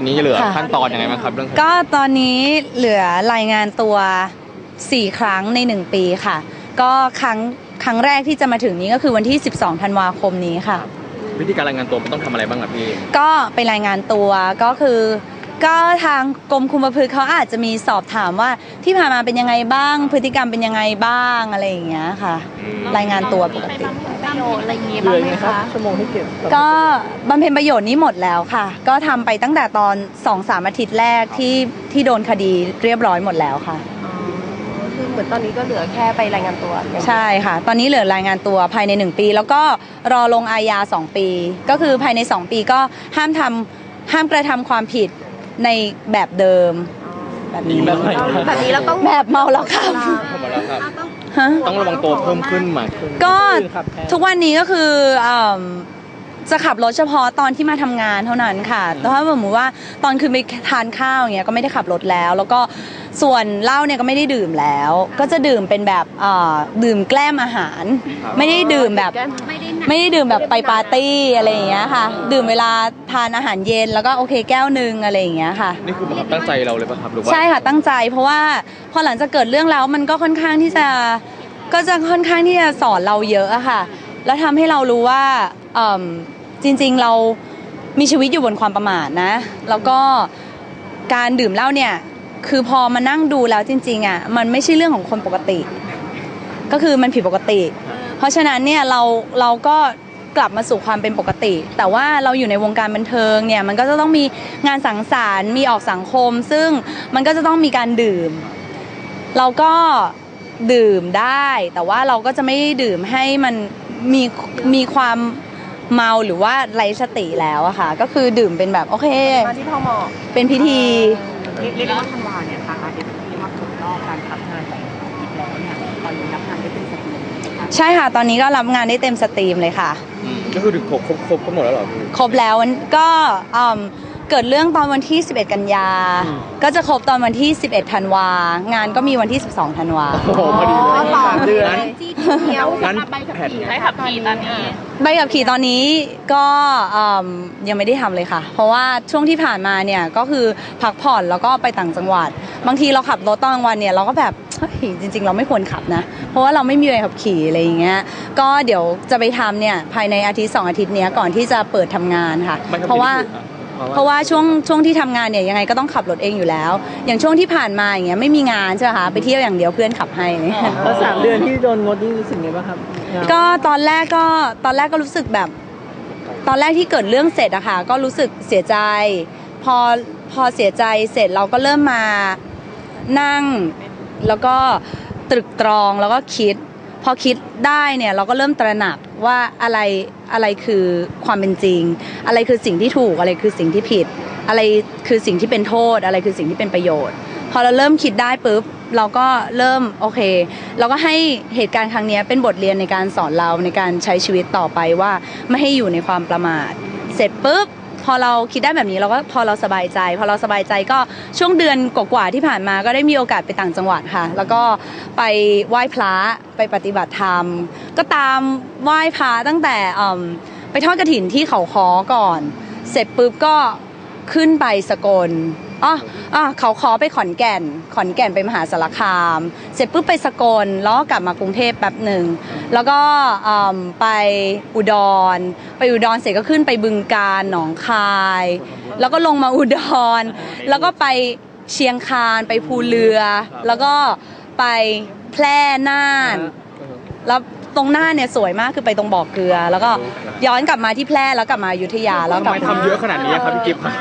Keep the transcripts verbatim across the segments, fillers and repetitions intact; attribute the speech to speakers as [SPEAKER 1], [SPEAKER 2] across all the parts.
[SPEAKER 1] อนนี้เหลือขั้นตอนยังไงบ้างครับเรื่อง
[SPEAKER 2] ก็ตอนนี้เหลือรายงานตัวสี่ครั้งในหนึ่งปีค่ะก็ครั้งครั้งแรกที่จะมาถึงนี้ก็คือวันที่สิบสองธันวาคมนี้ค่ะ
[SPEAKER 1] วิธีการรายงานตัวมันต้องทำอะไรบ้างครับพี่
[SPEAKER 2] ก็ไปรายงานตัวก็คือก็ทางกรมคุมประพฤติเขาอาจจะมีสอบถามว่าที่ผ่านมาเป็นยังไงบ้างพฤติกรรมเป็นยังไงบ้างอะไรอย่างเงี้ยค่ะรายงานตัวปกติ
[SPEAKER 3] ประโยชน์อะไรอย่างเงี้ยบ้างไหมคะ
[SPEAKER 2] ชั่วโมงที่เก็บก็บำเพ็ญประโยชน์นี้หมดแล้วค่ะก็ทำไปตั้งแต่ตอน สองถึงสาม อาทิตย์แรกที่ที่โดนคดีเรียบร้อยหมดแล้วค่ะ
[SPEAKER 3] คือเหมือนตอนนี้ก็เหลือแค่ไปรายงานตัว
[SPEAKER 2] ใช่ค่ะตอนนี้เหลือรายงานตัวภายในหนึ่งปีแล้วก็รอลงอาญาสองปีก็คือภายในสองปีก็ห้ามทำห้ามกระทำความผิดในแบบเดิมแบบนี้
[SPEAKER 3] แบบนี้เราต้อง
[SPEAKER 2] แบบเมาแล้วขับ
[SPEAKER 1] ต้องระวังตัวเพิ่มขึ้นไหม
[SPEAKER 2] ก็ทุกวันนี้ก็คือจะขับรถเฉพาะตอนที่มาทำงานเท่านั้นค่ะแต่ถ้าสมมติว่าตอนคืนไปทานข้าวอย่างเงี้ยก็ไม่ได้ขับรถแล้วแล้วก็ส่วนเหล้าเนี่ยก็ไม่ได้ดื่มแล้วก็จะดื่มเป็นแบบดื่มแกล้มอาหารไม่ได้ดื่มแบบไม่ได้ดื่มแบบไปปาร์ตี้อะไรอย่างเงี้ยค่ะดื่มเวลาทานอาหารเย็นแล้วก็โอเคแก้วนึงอะไรอย่างเงี้ยค่ะ
[SPEAKER 1] นี่คือตั้งใจเราเลยป่ะครับหรือว่า
[SPEAKER 2] ใช่ค่ะตั้งใจเพราะว่าพอหลังจากเกิดเรื่องแล้วมันก็ค่อนข้างที่จะก็จะค่อนข้างที่จะสอนเราเยอะอะค่ะแล้วทำให้เรารู้ว่าจริงๆเรามีชีวิตอยู่บนความประมาทนะแล้วก็การดื่มเหล้าเนี่ยคือพอมานั่งดูแล้วจริงๆอ่ะมันไม่ใช่เรื่องของคนปกติก็คือมันผิดปกติเพราะฉะนั้นเนี่ยเราเราก็กลับมาสู่ความเป็นปกติแต่ว่าเราอยู่ในวงการบันเทิงเนี่ยมันก็จะต้องมีงานสังสรรค์มีออกสังคมซึ่งมันก็จะต้องมีการดื่มเราก็ดื่มได้แต่ว่าเราก็จะไม่ดื่มให้มันมีมีความเมาหรือว่าไร้สติแล้วอะค่ะก็คือดื่มเป็นแบบโอเค
[SPEAKER 3] ที่พ่อหมอ
[SPEAKER 2] เป็นพิธี
[SPEAKER 3] เรียกว่าธันวาเนี่ยค่ะอาทิตย์ที่มาถูกรอบการทำงานของอีกแล้วเนี่ยตอนนี้รับงานได้เต็มสตรีม
[SPEAKER 2] ใช่ค่ะตอนนี้ก็รับงานได้เต็มสตรีมเลยค่ะ
[SPEAKER 1] ก็คือถึงครบครบครบหมดแล้วหรอ
[SPEAKER 2] ครบแล้วก็เกิดเรื่องตอนวันที่สิบเอ็ดกันยาก็จะครบตอนวันที่สิบเอ็ดธันวางานก็มีวันที่สิบสองธันวา
[SPEAKER 1] โอ้โหพอดีเลย
[SPEAKER 3] สามเดือน
[SPEAKER 1] งั้น
[SPEAKER 3] ใบขับขี่ใบขับขี่ตอนนี้
[SPEAKER 2] ใบขับขี่ตอนนี้ก็ยังไม่ได้ทำเลยค่ะเพราะว่าช่วงที่ผ่านมาเนี่ยก็คือพักผ่อนแล้วก็ไปต่างจังหวัดบางทีเราขับรถตอนกลางวันเนี่ยเราก็แบบจริงๆเราไม่ควรขับนะเพราะว่าเราไม่มีใบขับขี่อะไรอย่างเงี้ยก็เดี๋ยวจะไปทำเนี่ยภายในอาทิตย์สองอาทิตย์เนี้ยก่อนที่จะเปิดทำงานค่ะเพราะว่าเพราะว่าช่วงช่วงที่ทำงานเนี่ยยังไงก็ต้องขับรถเองอยู่แล้วอย่างช่วงที่ผ่านมาอย่างเงี้ยไม่มีงานใช่ไหมคะไปเที่ยวอย่างเดียวเพื่อนขับให้
[SPEAKER 4] แล้วสามเดือนที่โดนงดนี่รู้สึกไงบ้างครับ
[SPEAKER 2] ก็ตอนแรกก็ตอนแรกก็รู้สึกแบบตอนแรกที่เกิดเรื่องเสร็จอะค่ะก็รู้สึกเสียใจพอพอเสียใจเสร็จเราก็เริ่มมานั่งแล้วก็ตรึกตรองแล้วก็คิดพอคิดได้เนี่ยเราก็เริ่มตระหนักว่าอะไรอะไรคือความเป็นจริงอะไรคือสิ่งที่ถูกอะไรคือสิ่งที่ผิดอะไรคือสิ่งที่เป็นโทษอะไรคือสิ่งที่เป็นประโยชน์พอเราเริ่มคิดได้ปุ๊บเราก็เริ่มโอเคเราก็ให้เหตุการณ์ครั้งนี้เป็นบทเรียนในการสอนเราในการใช้ชีวิตต่อไปว่าไม่ให้อยู่ในความประมาทเสร็จปุ๊บพอเราคิดได้แบบนี้เราก็พอเราสบายใจพอเราสบายใจก็ช่วงเดือนกว่าๆที่ผ่านมาก็ได้มีโอกาสไปต่างจังหวัดค่ะแล้วก็ไปไหว้พระไปปฏิบัติธรรมก็ตามไหว้พระตั้งแต่ไปทอดกฐินที่เขาค้อก่อนเสร็จปุ๊บก็ขึ้นไปสกลอ๋ออ๋อเขาค้อไปขอนแก่นขอนแก่นไปมหาสารคามเสร็จปุ๊บไปสกลแล้วก็กลับมากรุงเทพแป๊บหนึ่งแล้วก็ไปอุดรไปอุดรเสร็จก็ขึ้นไปบึงกาฬหนองคายแล้วก็ลงมาอุดรแล้วก็ไปเชียงคานไปภูเรือแล้วก็ไปแพร่น่านแล้วตรงหน้าเนี่ยสวยมากคือไปตรงบ่อเกลือแล้วก็ย้อนกลับมาที่แพร่แล้วกลับมาอยุธยาแล้วกลับ
[SPEAKER 1] มาทำเยอะขนาดนี้ครับพี่กิฟต์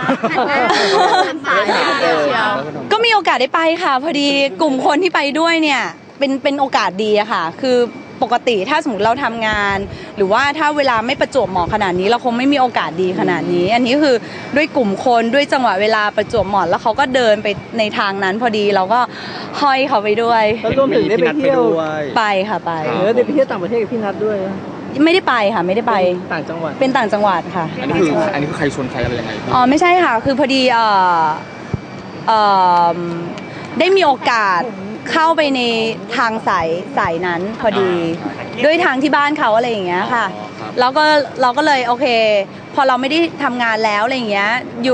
[SPEAKER 2] ก็มีโอกาสได้ไปค่ะพอดีกลุ่มคนที่ไปด้วยเนี่ยเป็นเป็นโอกาสดีอะค่ะคือปกติถ้าสมมติเราทำงานหรือว่าถ้าเวลาไม่ประจวบเหมาะขนาดนี้เราคงไม่มีโอกาสดีขนาดนี้อันนี้คือด้วยกลุ่มคนด้วยจังหวะเวลาประจวบเหมาะแล้วเขาก็เดินไปในทางนั้นพอดีเราก็ห้อยเขาไปด้วย
[SPEAKER 4] แล้วรวมถึงได้ไปเที่ยว
[SPEAKER 2] ไปค่ะไป
[SPEAKER 4] เออได้ไปเที่ยวต่างประเทศกับพี่นัทด้วย
[SPEAKER 2] ไม่ได้ไปค่ะไม่ได้ไป
[SPEAKER 4] ต่างจังหวัด
[SPEAKER 2] เป็นต่างจังหวัดค่ะ
[SPEAKER 1] อันนี้คืออันนี้คือใครชวนใครอะไรยังไง
[SPEAKER 2] อ๋อไม่ใช่ค่ะคือพอดีเอ่อเอ่อได้มีโอกาสเข้าไปในทางสายสายนั้นพอดีด้วยทางที่บ้านเขาอะไรอย่างเงี้ยค่ะแล้วก็เราก็เลยโอเคพอเราไม่ได้ทำงานแล้วอะไรอย่างเงี้ยอยู่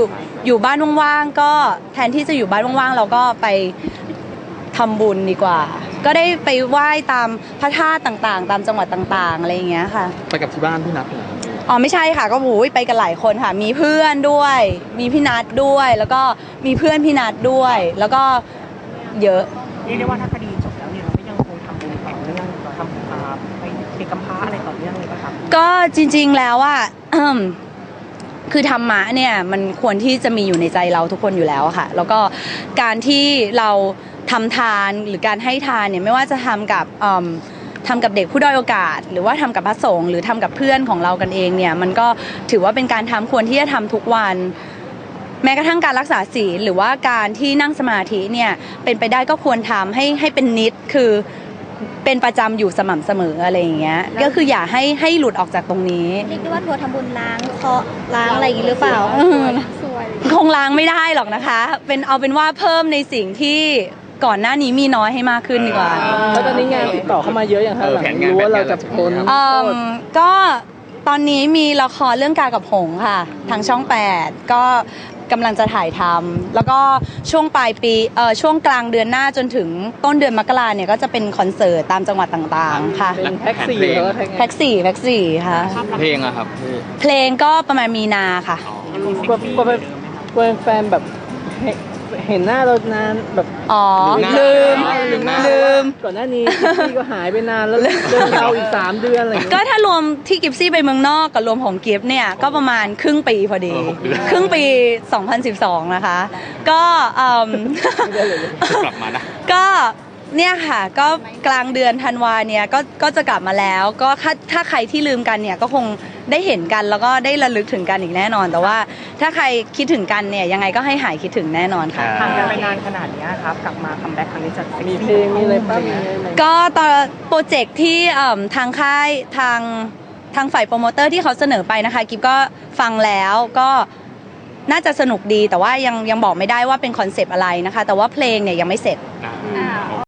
[SPEAKER 2] อยู่บ้านว่างๆก็แทนที่จะอยู่บ้านว่างๆเราก็ไปทำบุญดีกว่า ก็ได้ไปไหว้ตามพระธาตุต่างๆ ตามจังหวัดต่างๆอะไรอย่างเงี้ยค่ะ
[SPEAKER 1] ไปกับที่บ้านพี่นัทเหรอ
[SPEAKER 2] อ๋อไม่ใช่ค่ะก็โอ้ยไปกันหลายคนค่ะ มีเพื่อนด้วย มีพี่นัทด้วย แล้วก็มีเพื่อนพี่นัทด้วย แล้วก็เยอะ
[SPEAKER 3] เรียกได้ว่าถ้าคดีจบแล้วเนี่ยเราก็ยังคงทำบุญต่อเนื่องทำอ่าไปเด็กกำพร้าอะไรต่อเนื่องเลยป่ะครับ
[SPEAKER 2] ก็จริงๆแล้วอ่ะ คือธรรมะเนี่ยมันควรที่จะมีอยู่ในใจเราทุกคนอยู่แล้วอะค่ะ แล้วก็การที่เราทำทานหรือการให้ทานเนี่ยไม่ว่าจะทำกับเอิ่มทำกับเด็กผู้ด้อยโอกาส หรือว่าทำกับพระสงฆ์หรือทำกับเพื่อนของเรากันเองเนี่ยมันก็ถือว่าเป็นการทำควรที่จะทำทุกวัน แม้กระทั่งการรักษาศีลหรือว่าการที่นั่งสมาธิเนี่ยเป็นไปได้ก็ควรทำให้ให้เป็นนิดคือเป็นประจำอยู่สม่ำเสมออะไรอย่างเงี้ยก็คืออย่าให้ให้หลุดออกจากตรงนี้
[SPEAKER 5] เรียกได้ว่าทัวร์ทำบุญล้างเคราะห์ล้างอะไรอย่างนี้หรือเปล่า
[SPEAKER 2] คงล้างไม่ได้หรอกนะคะ เป็นเอาเป็นว่าเพิ่มในสิ่งที่ก่อนหน้านี้มีน้อยให้มากขึ้นดีกว่า
[SPEAKER 4] แล้วตอนนี้งานติดต่อเข้ามาเยอะอย่างฮะหลังรู้ว่าเราจะพ้น
[SPEAKER 2] เอิ่
[SPEAKER 4] โท
[SPEAKER 2] ม
[SPEAKER 4] ษ
[SPEAKER 2] ก็ตอนนี้มีละครเรื่องกากับหงส์ค่ะทางช่องแปดก็กำลังจะถ่ายทำแล้วก็ช่วงปลายปีเอ่อช่วงกลางเดือนหน้าจนถึงต้นเดือนมกราเนี่ยก็จะเป็นคอนเสิร์ตตามจังหวัดต่างๆค่ะ
[SPEAKER 4] เป็นแพ็กสี่แล้วก็แพ็กไง
[SPEAKER 2] แพ็กสี่แพ็กสี่ค่ะ
[SPEAKER 1] เพลงอะครับพี่
[SPEAKER 2] เพลงก็ประมาณมีนาค่ะ
[SPEAKER 4] กลัวกลัวเป็นกลัวแฟนแบบเห็นเห็นหน้าเรานานแบบ
[SPEAKER 2] อ๋อ
[SPEAKER 1] ลื
[SPEAKER 2] ลื
[SPEAKER 1] ม
[SPEAKER 2] ม
[SPEAKER 1] หน้าลืมหน้า
[SPEAKER 2] ลืม
[SPEAKER 4] ก่อนหน้านี้พี่ก็หายไปนานแล้วเดินเราอีกสามเดือนอะไรอย่างเงี้ย
[SPEAKER 2] ก็ถ้ารวมที่กิฟซี่ไปเมืองนอกกับรวมของกิฟเนี่ยก็ประมาณครึ่งปีพอดี
[SPEAKER 1] เออหกเดือน
[SPEAKER 2] ครึ่งปี สองพันสิบสอง นะคะ ก็เอิ่ม
[SPEAKER 1] กลับมานะ
[SPEAKER 2] ก็เนี่ยค่ะก็กลางเดือนธันวาเนี่ยก็ก็จะกลับมาแล้ว ก็ถ้าถ้าใครที่ลืมกันเนี่ยก็คงได้เห็นกันแล้วก็ได้ระลึกถึงกันอีกแน่นอน แต่ว่าถ้าใครคิดถึงกันเนี่ยยังไงก็ให้หายคิดถึงแน่นอนค่ะ
[SPEAKER 3] ห่างกันไปนานขนาดเนี้ยครับกลับมาคัมแบ็กครั้งนี้จะซ็ก
[SPEAKER 4] มี
[SPEAKER 3] ซี่
[SPEAKER 4] เพลงมีอะไรป้ามีอะไรไหม
[SPEAKER 2] ก็ตอนโปรเจกต์ที่เอิ่มทางค่ายทางทางฝ่ายโปรโมเตอร์ที่เขาเสนอไปนะคะกิฟก็ฟังแล้วก็น่าจะสนุกดีแต่ว่ายังยังบอกไม่ได้ว่าเป็นคอนเซปต์อะไรนะคะ แต่ว่าเพลงเนี่ยยังไม่เสร็จ
[SPEAKER 1] อ่า